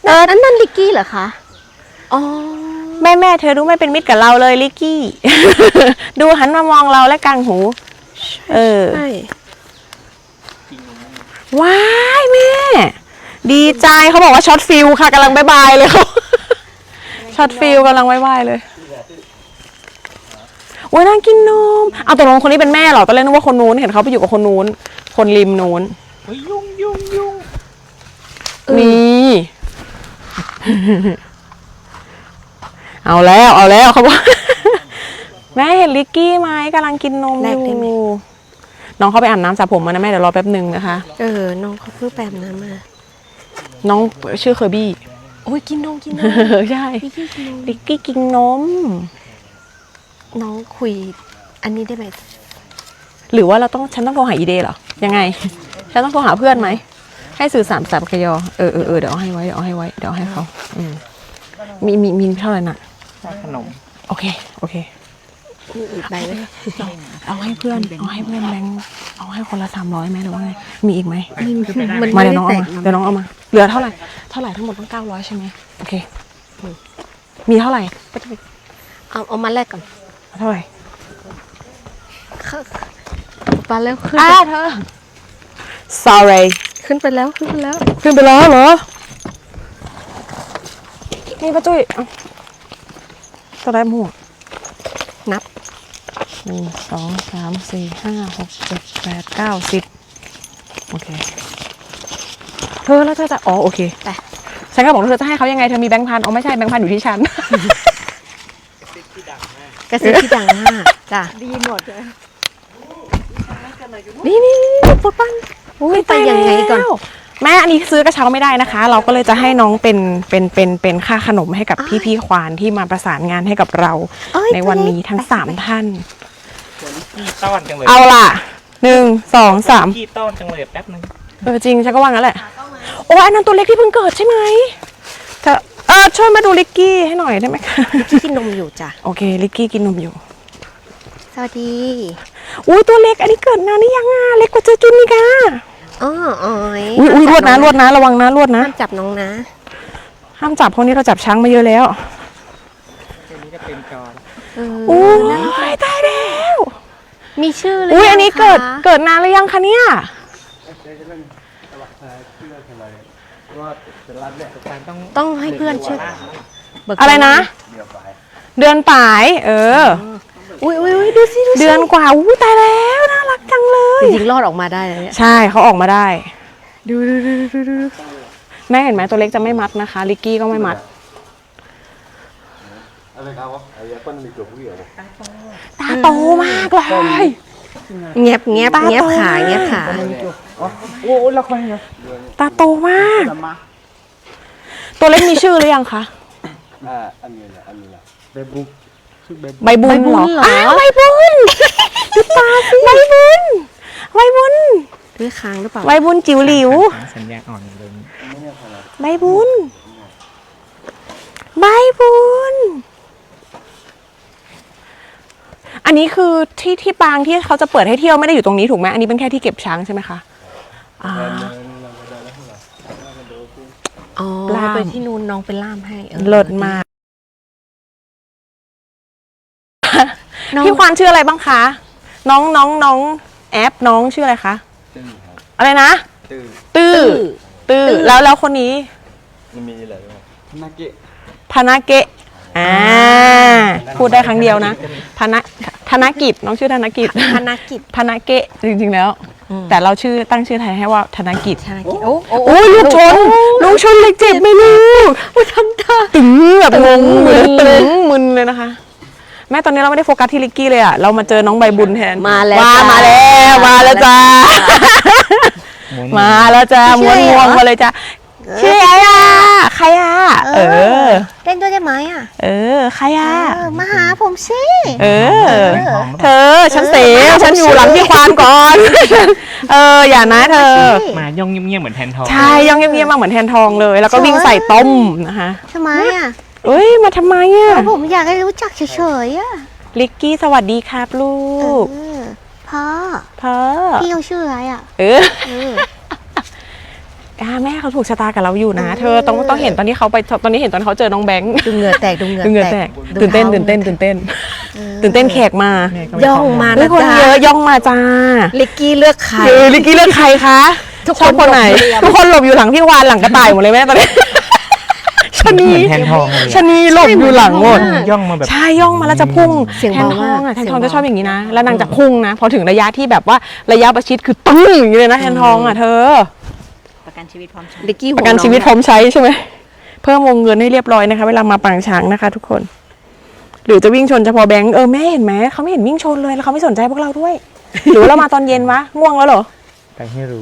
นั่นลิกกี้เหรอคะอ๋อแม่เธอดูไม่เป็นมิตรกับเราเลยลิกกี้ ดูหันมามองเราและกางหูใช่ว้ายแม่ดีใจเขาบอกว่าช็อตฟิลค่ะกำลังบายเลยเขาช็อตฟิลกำลังบายเลยโอ้ยนั่งกินนมเอาตกลงคนนี้เป็นแม่เหรอตอนแรกนึกว่าคนนู้นเห็นเขาไปอยู่กับคนนู้นคนริมนู้นยุ่งมีเอาแล้วเขาบอก แม่เห็นลิกกี้ไหมกำลังกินนมอยู่น้องเขาไปอาบน้ำสระผมมานะแม่เดี๋ยวรอแป๊บนึงนะคะน้องเขาเพิ่งแปมน้ำมาน้องชื่อเคอร์บี้โอ้ยกินนมใช่ลิกกี้กินนมน้องคุยอันนี้ได้ไหมหรือว่าฉันต้องโทรหาอีเดย์เหรอยังไงฉันต้องโทรหาเพื่อนไหมให้สื่อสารสับกยเดี๋ยวเอาให้ไว้เดี๋ยวเอาให้เขามีเท่าไหร่น่ะขนมโอเคมีอีกใบไหมเอาให้เพื่อนแบงค์เอาให้คนละ300ไหมหรือว่าไงมีอีกไหมมาเดี๋ยวน้องเอามาเหลือเท่าไหร่ทั้งหมดต้อง900ใช่ไหมโอเคมีเท่าไหร่เอามาแลกก่อนเท่าไหร่ไปแล้วขึ้นเธอ sorry ขึ้นไปแล้วเหรอนี่ป้าจุ้ยตัวได้หมวกนับ 1 2 3 4 5 6 7 8 9 10โอเคเธอแล้วเธอจะโอเคแต่ฉันก็บอกเธอจะให้เขายังไงเธอมีแบงค์พันไม่ใช่แบงค์พันอยู่ที่ฉันกระซิบที่ดังมากจ้ะดีหมดเลยนี่ปุ๊บปั้นไปยังไงก่อนแม่อันนี้ซื้อกระเช้าไม่ได้นะคะเราก็เลยจะให้น้องเป็นค่าขนมให้กับพี่ควานที่มาประสานงานให้กับเราในวันนี้ทั้ง3ท่านต้อนจังเลยเอาล่ะ1 2 3 ขี้ต้อนจังเลยแป๊บนึงจริงฉันก็ว่างั้นแหละโอ้อันนั้นตัวเล็กที่เพิ่งเกิดใช่ไหมเธอช่วยมาดูลิกกี้ให้หน่อยได้ไหมคะลิกกี้กินนมอยู่จ้ะโอเคลิกกี้กินนมอยู่สวัสดีอุ้ยตัวเล็กอันนี้เกิดนานหรือยังเล็กกว่าเจจุนนี่ค่ะอุ้ยรวดนะระวังนะรวดนะห้ามจับน้องนะห้ามจับเพราะนี้เราจับช้างมาเยอะแล้วเดี๋ยวนี้จะเป็นจอโอ้ยตายแล้วมีชื่อเลยอุ้ยอันนี้เกิดนานหรือยังคะเนี่ยต้องให้เพื่อนช่วยอะไรนะเดือนปลายอุ้ยดูสิเดือนกว่าตายแล้วน่ารักจังเลยจริงๆรอดออกมาได้เลยใช่เขาออกมาได้ดูแม่เห็นไหมตัวเล็กจะไม่มัดนะคะลิกกี้ก็ไม่มัดตาโตมากเลยเงียบขาโอ้ละครเนี่ยตาโตมากตัวเล็กมีชื่อหรือยังคะอันนี้ใบบุญใบบุญเหรอใบบุญตาสิใบบุญด้วยค้างหรือเปล่าใบบุญจิ๋วหลิวสัญญาอ่อนเลยใบบุญอันนี้คือที่ปางที่เขาจะเปิดให้เที่ยวไม่ได้อยู่ตรงนี้ถูกไหมอันนี้เป็นแค่ที่เก็บช้างใช่ไหมคะไปที่นู่นน้องเป็นล่ามให้เลิศมากพี่ควานชื่ออะไรบ้างคะน้องแอปน้องชื่ออะไรคะอะไรนะตื้อแล้วคนนี้มีอะไรพนาเกะพูดได้ครั้งเดียวนะธนกิจน้องชื่อธนกิจพนาเกะจริงๆแล้วแต่เราตั้งชื่อไทยให้ว่าธนกิจโอ้ลูกชนเลยเจ็บไหมลูกทำท่าตึงแบบงงมึนเลยนะคะแม่ตอนนี้เราไม่ได้โฟกัสที่ลิกกี้เลยเรามาเจอน้องใบบุญแทนมาแล้วจ้ามาแล้วจ้าม้วนมาเลยจ้าชื่ออะไรใครเล่นด้วยได้ไหมใครมาหาผมสิเธอฉันอยู่หลังพี่ควานก่อนอย่านะเธอมาย่องเงียบๆเหมือนแทนทองใช่ย่องเงียบๆมาเหมือนแทนทองเลยแล้วก็วิ่งใส่ต้มนะคะทำไมมาทำไมผมอยากให้รู้จักเฉยๆลิกกี้สวัสดีครับลูกพ่อพี่เขาชื่ออะไรแม่เขาถูกชะตากับเราอยู่นะ เธอต้องเห็นตอนที่เขาไปตอนนี้เห็นตอนเขาเจอน้องแบงค์ดูเหงื่อแตกดูเหงื่อเหงื่อแตกตื่นเต้นแขกมาย่องมาทุนะกคนจ๊ะเยอะย่องมาจ้าลิกกี้เลือกใครลิกกี้เลือกใครคะทุกคนชอบคนไหนหลบอยู่ทุกคนหลบอยู่หลังพี่วานหลังกระต่ายหมดเลยแม่ตอนนี้ชะนีแทนทองเลยชะนีหลบอยู่หลังหมดย่องมาแบบใช่ย่องมาแล้วจะพุ่งเสียงแทนเบาทองมากอ่ะแทนเสียงทองเบาจะชอบอย่างนี้นะแล้วนางจะพุ่งนะพอถึงระยะที่แบบว่าระยะประชิดคือตึ้งอย่างนี้เลยนะแทนทองอ่ะเธอประกันชีวิตพร้อมใช้ลิกกี้ประกันชีวิตพร้อมใช้ใช่ไหมเพิ่มวงเงินให้เรียบร้อยนะคะเวลามาปางช้างนะคะ ทุกคน หรือจะวิ่งชนเฉพาะแบงค์แม่เห็นไหมเขาไม่เห็นวิ่งชนเลยแล้วเขาไม่สนใจพวกเราด้วย หรือว่าเรามาตอนเย็นวะง่วงแล้วเหรอแต่ให้รู้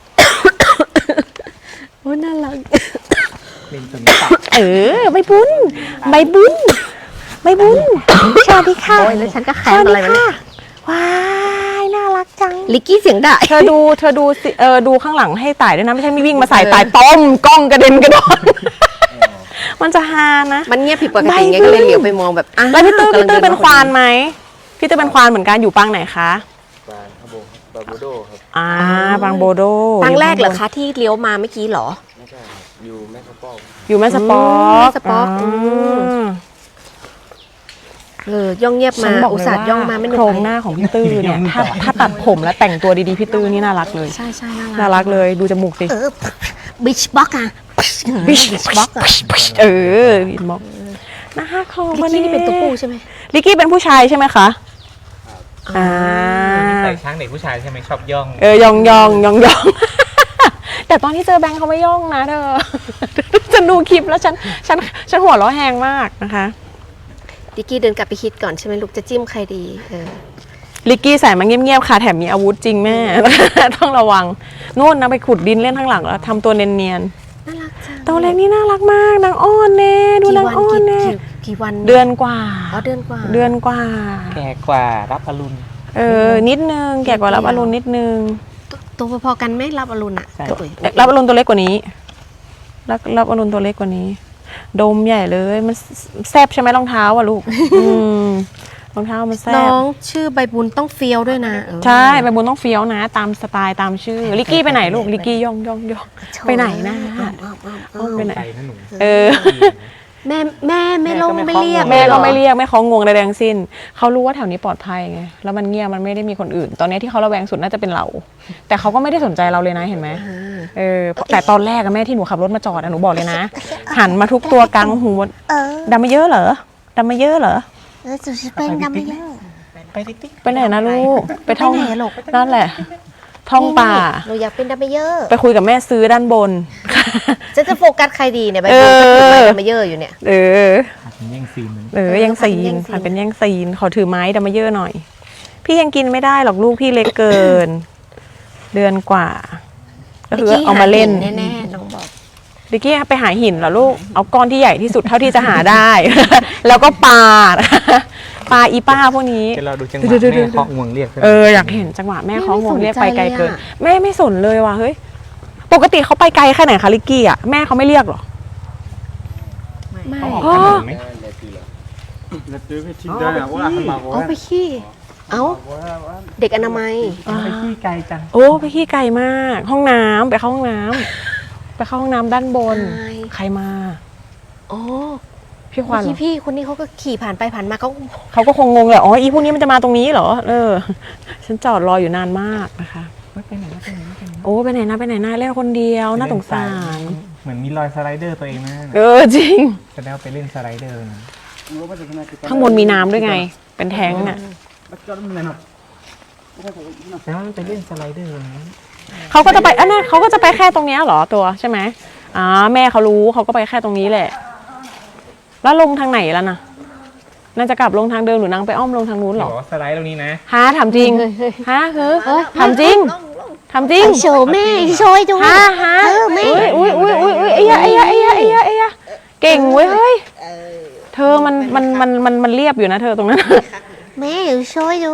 โอ้น่ารักเป็นตัวนี้ตับใบบุญใบบุญใบบุญสวัสดีค่ะโอ้ยแล้วฉันก็แคสมวัสอะไรดีมาเนี่ค่ะยว้ายน่ารักจังลิกกี้เสียงด่าเธอดูสิดูข้างหลังให้ต่ายด้วยนะไม่ใช่มีวิ่งมาใส่ต่ายต้มกล้องกระเด็นกระดอน มันจะฮานะมันเงียบผิดปกติไงก็เลยเหลียวไปมองแบบแล้วพี่ตื้อกำลังเป็นควานไหมพี่ตื้อเป็นควานเหมือนกันอยู่ปางไหนคะบานครับผมบาบูโดครับปางโบโดครั้งแรกเหรอคะที่เลี้ยวมาเมื่อกี้เหรอไม่ใช่ครับอยู่แม่กระป๋องอยู่แม่สปอแม่กสปอกย่องเงียบฉัมานบอกอุตเลยส่าห์ย่องมาไม่ว่านึโครงหน้าของพี่ตื้อเนี่ยถ้าตัดผมแล้วแต่งตัวดีๆพี่ตื้อนี่น่ารักเลยใช่ใช่น่ารักเลยดูจมูกสิบิชบ็อกอะบิชบ็อกอะบิชบ็อกน่ารักของลิกกี้นี่เป็นตัวผู้ใช่ไหมลิกกี้เป็นผู้ชายใช่ไหมคะอ่าใส่ช้างเด็กผู้ชายใช่ไหมชอบย่องยอง แต่ตอนที่เจอแบงค์เขาไม่ย่องนะเธอ ฉันดูคลิปแล้วฉันหัวเราะแหงมากนะคะลิกกี้เดินกลับไปคิดก่อนใช่ไหมลูกจะจิ้มใครดีลิกกี้ใส่มาเงียบๆค่ะแถมมีอาวุธจริงแม่ ต้องระวังนู่นนะไปขุดดินเล่นข้างหลังแล้วทำตัวเนียนน่ารักจังๆตัวเล็กนี่น่ารักมากนางอ้อนเน่ดูนางอ้อนเน่กี่วันเดือนกว่าเดือนกว่าเดือนกว่าแก่กว่ารับอรุณนิดนึงแก่กว่ารับอรุณนิดนึงตัวพอๆกันไหม่รับอรุณอะใช่กับอุ๋ยรับอรุณตัวเล็กกว่านี้รับอรุณตัวเล็กกว่านี้ ดมใหญ่เลยมันแซบใช่ไหมรองเท้าอ่ะลูก รองเท้ามันแซน้บองชื่อใบบุญต้องเฟี้ยวด้วยนะใช่ใบบุญต้องเฟี้ยวนะ ตามสไตล์ตามชื่อลิกกี้ไปไหนลูกลิกกี้ย่องไปไหนนะไปไหนใจนะหนูแม่ไม่ลงไม่เรียกแม่ก็ไม่เรียกแม่เขางงใดๆทั้งสิ้นเขารู้ว่าแถวนี้ปลอดภัยไงแล้วมันเงียบมันไม่ได้มีคนอื่น ตอนนี้ที่เขาระแวงสุดน่าจะเป็นเรา แต่เขาก็ไม่ได้สนใจเราเลยนะเห็นไหมแต่ตอนแรกอะแม่ที่หนูขับรถมาจอดอะหนูบอกเลยนะ หันมาทุกตัวกลางหูดำมาเยอะเหรอดำมาเยอะเหรอสุดเป็นดำไม่เยอะไปติ๊กไปไหนนะลูกไปท่องไปไหนอะลูกนั่นแหละ ท่องป่าหนูอยากเป็นดำไม่เยอะไปคุยกับแม่ซื้อด้านบนจะโฟกัสใครดีเนี่ยใบบุญก็ถือไม้ดำไม่เยอะอยู่เนี่ยแย่งซีนมันแย่งซีนผ่านเป็นแย่งซีนขอถือไม้ดำมาเยอะหน่อย พี่ยังกินไม่ได้หรอกลูกพี่เล็กเกิน เดือนกว่าก็คือเอามาเล่นแน่ๆน้องบอกดิกกี้ไปหาหินเหรอลูกเอาก้อนที่ใหญ่ที่สุดเท่าที่จะหาได้ แล้วก็ปาอีป้าพวกนี้เดี๋ยวเราดูจังหวะแม่เคาะงวงเรียกอยากเห็นจังหวะแม่เขางงเรียกไปไกลเกินแม่ไม่สนเลยว่ะเฮ้ยปกติเขาไปไกลแค่ไหนคะลิกกี้อ่ะแม่เขาไม่เรียกหรอไม่เขาออกถนนไหมเอาไปขี้เอาเด็กอนามัยไปขี้ไกลจังโอ้ไปขี้ไกลมากห้องน้ำไปเข้าห้องน้ำไปเข้าห้องน้ำด้านบน ใครมาอ๋อพี่ควันเหรอพี่คนนี้เขาก็ขี่ผ่านไปผ่านมาเขาเขาก็คงงงเลยอ๋ออีพวกนี้มันจะมาตรงนี้เหรอฉันจอดรออยู่นานมากนะคะไปไหนนะโอ้ไปไหนนะเล่นคนเดียวน่าสงสารเหมือนมีรอยสไลเดอร์ตัวเองนะจริงแสดงว่าไปเล่นสไลเดอร์นะข้างบนมีน้ำด้วยไง เป็นแท้งอ่ะแล้วไปเล่นสไลเดอร์นะเขาก็จะไปเขาก็จะไปแค่ตรงเนี้ยเหรอตัวใช่ไหมแม่เขารู้เขาก็ไปแค่ตรงนี้แหละ แล้วลงทางไหนแล้วนะน่าจะกลับลงทางเดิมหรือนางไปอ้อมลงทางนู้นเหรอสไลด์ตรงนี้นะฮะถามจริงฮะถามจริงถามจริงโชว์แม่โชว์ให้ดูฮะอุ้ยไอ้ยะเก่งเว้ยเฮ้ยเธอมันเรียบอยู่นะเธอตรงนั้นแม่โชว์ให้ดู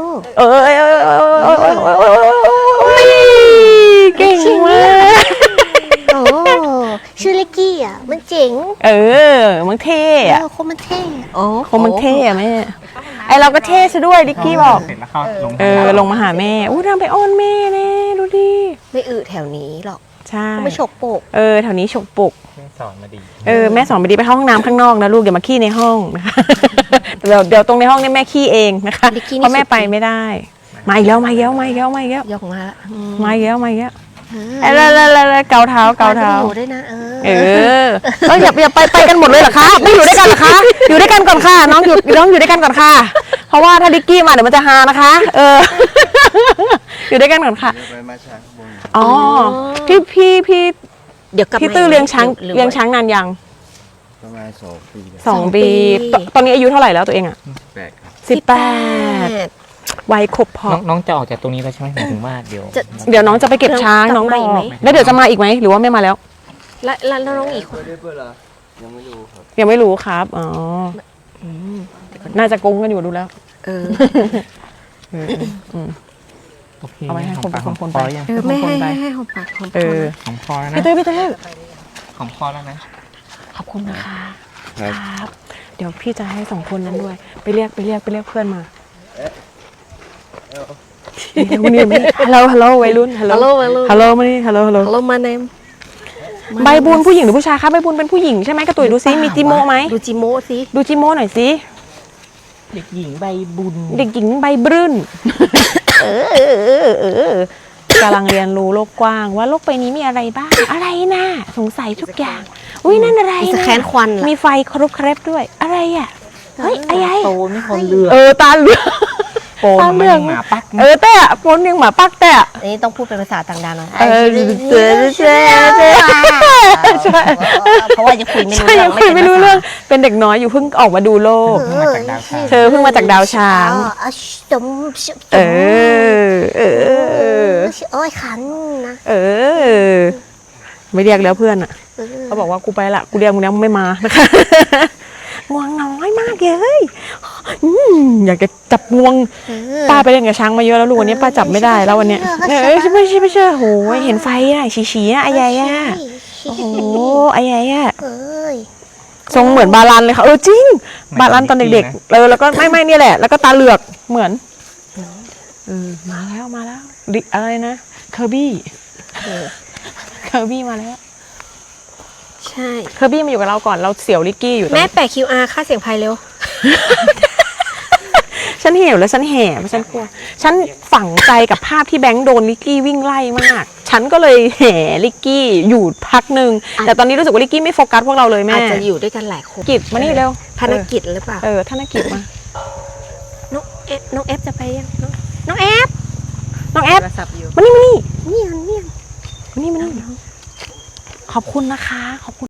เก่งมากโอ้ชื่อเล็กกี้อ่ะมันเจ๋งมึงเท่อะคนมันเท่โอ้คงมึงเท่อะแม่ไอเราก็เท่ซะด้วยดิกกี้บอกเสร็จแล้วเข้าลงลงมาหาแม่อู้นางไปอ้อนแม่แน่ดูดิไม่อึแถวนี้หรอกใช่เขาไม่ฉกโปกแถวนี้ฉกปุกแม่สอนมาดีแม่สอนไปดีไปเข้าห้องน้ำข้างนอกนะลูกอย่ามาขี้ในห้องนะคะเดี๋ยวตรงในห้องนี่แม่ขี้เองนะคะเพราะแม่ไปไม่ได้มาอีกแล้วมาอีกแล้วมาอีกแล้วมาอีกแล้วยกมาละมาอีกแล้วมาอีกแล้วเกาเท้าเกาเท้าอยู่ด้วยนะอย่าไปกันหมดเลยเหรอคะไม่อยู่ด้วยกันเหรอคะอยู่ด้วยกันก่อนค่ะน้องอยู่ด้วยกันก่อนค่ะเพราะว่าถ้าดิกกี้มาเดี๋ยวมันจะฮานะคะอยู่ด้วยกันก่อนค่ะไปมาช้างบนอ๋อพี่เดี๋ยวกลับพี่ตื้อเลี้ยงช้างนานยังประมาณ2 ปี 2 ปีตอนนี้อายุเท่าไหร่แล้วตัวเองอ่ะ 8 ครับ 18วัยครบพอน้องจะออกจากตรงนี้แล้วใช่ไหมหมายถึงว่าเดี๋ยวเดี๋ยวน้องจะไปเก็บช้างน้องบอกแล้วเดี๋ยวจะมาอีกไหมหรือว่าไม่มาแล้วแล้วน้องอีกคนไม่ได้เปิดเหรอยังไม่รู้ครับยังไม่รู้ครับอ๋อน่าจะโกงกันอยู่ดูแล้วโอเคเอาไว้ให้คนปากคนพอยังไม่ให้หอมปากหอมคอของพอแล้วนะพี่ตื้อของพอแล้วนะขอบคุณนะคะครับครับ เดี๋ยวพี่จะให้2 คนนั้นด้วย ไปเรียกเพื่อนมาวันนี้ฮัลโหลวัยรุ่นฮัลโหลมานี่ฮัลโหลเรามาเนมใบบุญผู้หญิงหรือผู้ชายคะใบบุญเป็นผู้หญิงใช่ไหมกระตุยดูซิมีจิโมไหมดูจิโมสิดูจิโมหน่อยสิเด็กหญิงใบบุญเด็กหญิงใบบรื่นกำลังเรียนรู้โลกกว้างว่าโลกใบนี้มีอะไรบ้างอะไรนะสงสัยทุกอย่างอุ้ยนั่นอะไรมีสนะแคนควันล่ะมีไฟครุบเครบด้วยอะไรอ่ะเฮ้ยอะไรโตไม่คนเลือกตาเหลือกโปนมันยังหมาปักแต่โปนยังหมาปักแต่อันนี้ต้องพูดเป็นภาษาต่างดาวหน่อยใช่เพราะว่าจะคุยไม่รู้ใช่เรื่ยัองคุยไม่รู้เรื่องเป็นเด็กน้อยอยู่เพิ่งออกมาดูโลกเพิ่งมาจากดาวช้างเธอเพิ่งมาจากดาวช้างจม โอ้ยขันนะไม่เรียกแล้วเพื่อนอ่ะเขาบอกว่ากูไปละกูเรียกมึงแล้วมึงไม่มานะคะง่วงน้อยมากเลยอยากจะจับงวงป้าไปเล่นกับช้างมาเยอะแล้วลูกวันนี้ป้าจับไม่ได้แล้ววันเนี้ยไม่เชื่อโหเห็นไฟอ่ะฉีๆอ่ะไอ้ใหญ่อ่ะโอ้โหไอ้ใหญ่อ่ะเอ้ยทรงเหมือนบาลันเลยค่ะจริงบาลันตอนเด็กๆแล้วก็ไม่เนี่ยแหละแล้วก็ตาเหลือกเหมือนมาแล้วดิอะไรนะเคอร์บี้มาแล้วใช่เคอร์บี้มาอยู่กับเราก่อนเราเสี่ยวลิกกี้อยู่ตรงแม่นี้แปะ QR ค่าเสียงไพเร็วฉันเหี่ยวแล้วฉันแห่ฉันกลัวฉันฝังใจกับภาพที่แบงค์โดนลิกกี้วิ่งไล่มากฉันก็เลยแห่ลิกกี้อยู่พักหนึ่งแต่ตอนนี้รู้สึกว่าลิกกี้ไม่โฟกัสพวกเราเลยแม่อาจจะอยู่ด้วยกันหลายคนกิจมานี่เร็วภารกิจหรือเปล่าธนกิจมาน้องเอฟจะไปยังน้องเอฟน้องแอปโทรศัพท์อยู่มานี่เนี่ยมานี่ขอบคุณนะคะขอบคุณ